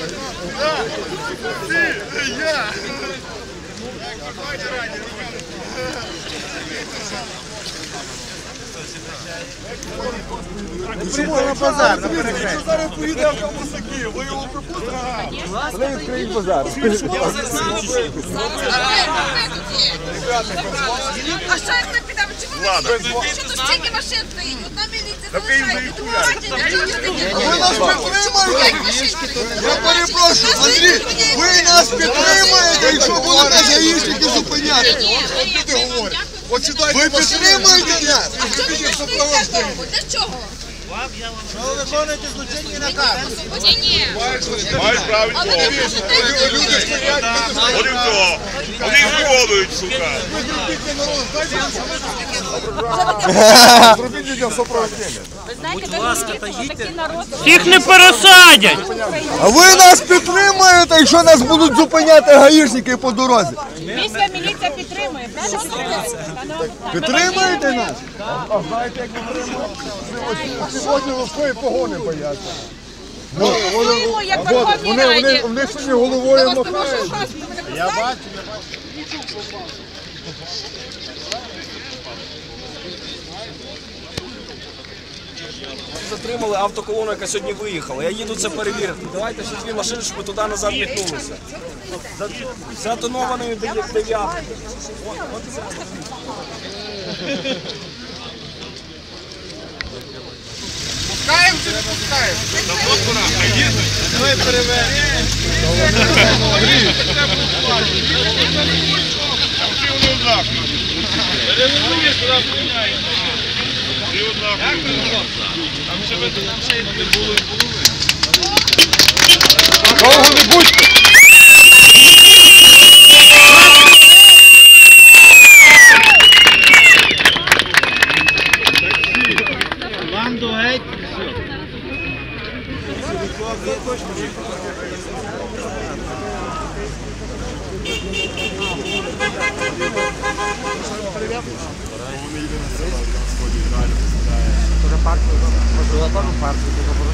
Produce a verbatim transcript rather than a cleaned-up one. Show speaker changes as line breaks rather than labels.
Чому на базар? Якщо зараз поїде автомасаки, ви його пропустите? Вони відкриють базар.
А що як ми підемо? Що тут стільки машин стоїть? Одна міліція залишається.
Ви нас підтримаєте? Я перепрошую, Андрій, ви нас підтримаєте, якщо будете гаїшники зупиняти. Ви підтримаєте нас?
А що ви не стоїте довго? Для чого?
Ви виконуєте злочинні накази.
Ні, ні.
Мають право відмовити. Вони хто? Вони відмовують, сука.
Зробіть людям супроводження.
Будь ласка, та їдьте.
Їх не пересадять!
А ви нас підтримаєте, якщо нас будуть зупиняти гаїшники по дорозі?
Міська міліція підтримує, правда підтримує?
Підтримаєте нас? А знаєте, як ми підтримуємо? Сьогодні важкої погони бояться.
Голосуємо, як в Верховній Раді.
Вони сьогодні головою махають.
Я бачу.
Затримали автоколону, яка сьогодні виїхала. Я їду це перевірити. Давайте ще дві машини, щоб ми туди назад віднулися. Затонованою дев'яткою.
Пускаємо чи не пускаємо? Ми перевернемо. Довго не будьте!
Банду геть!
Може партію? Може, партію?